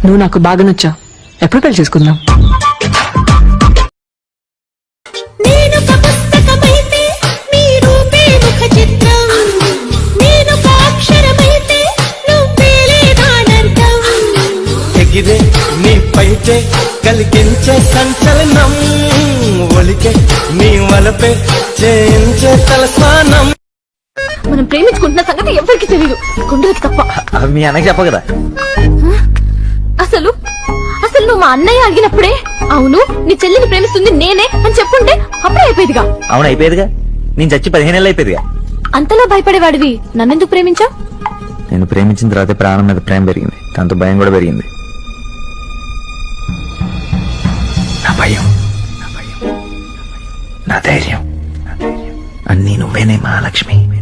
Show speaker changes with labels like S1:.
S1: నువ్వు నాకు బాగా నచ్చావు. ఎప్పుడు పెళ్లి చేసుకుందాం?
S2: నేనొక పుస్తకమైతే నీ రూపే ముఖ చిత్రం, నేనొక అక్షరమైతే నువ్వేలే నానర్థం.
S3: ఎగిరే నీ పైటే కలిగించే సంచలనం, ఒలికే నీ వలపే చేయించే తలస్నానం.
S4: మనం ప్రేమించుకుంటున్న సంగతి ఎవరికి తెలియదు, గుండెలకి తప్ప.
S5: మీ అన్నకి చెప్ప కదా.
S4: అసలు అసలు నువ్వు మా అన్నయ్య అడిగినప్పుడే అవును నీ చెల్లిని ప్రేమిస్తుంది నేనే అని చెప్పుంటే అప్పుడే అయిపోయేదిగా.
S5: అవును అయిపోయేదిగా. నేను చచ్చి 15 ఏళ్ళు అయిపోయేదిగా.
S4: అంతలా భయపడేవాడివి నన్నెందుకు ప్రేమించావు?
S5: నేను ప్రేమించిన తర్వాత ప్రాణం మీద ప్రేమ పెరిగింది, దాంతో భయం కూడా పెరిగింది. నా భయం, నా ధైర్యం అన్నీ నువ్వేనే మహాలక్ష్మి.